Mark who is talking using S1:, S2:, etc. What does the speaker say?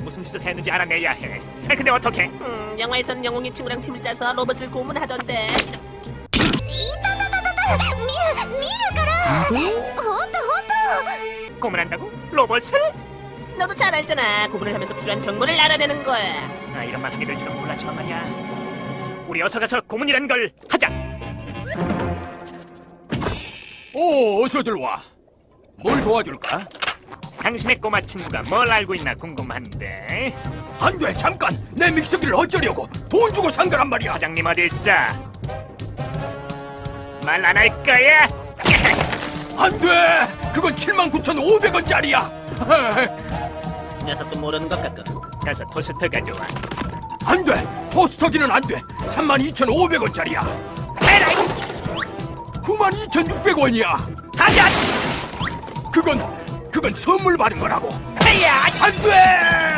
S1: 무슨 짓을 했는지 알아내야 해. 근데 어떡해?
S2: 영화에선 영웅이 친구랑 팀을 짜서 로봇을 고문하던데.
S3: 見るからほんと
S1: 고문한다고? 로봇을?
S2: 너도 잘 알잖아. 고문을 하면서 필요한 정보를 알아내는 거야.
S1: 아, 이런 말 하게 될 줄은 몰랐지만 말이야. 우리 어서 가서 고문이란 걸 하자.
S4: 오, 어서들 와. 뭘 도와줄까?
S1: 당신의 꼬마 친구가 뭘 알고 있나 궁금한데.
S4: 안 돼, 잠깐. 내 믹서기를 어쩌려고? 돈 주고 산 거란 말이야.
S1: 사장님 어디 있어? 말 안 할 거야?
S4: 안 돼. 그건 79,500원짜리야.
S2: 녀석도 모르는 것 같군.
S1: 가서 토스터 가져와.
S4: 안 돼. 토스터기는 안 돼. 32,500원짜리야.
S1: 에라이!
S4: 92,600원이야.
S1: 하자!
S4: 그건 선물 받은 거라고.
S1: 헤야!
S4: 안 돼.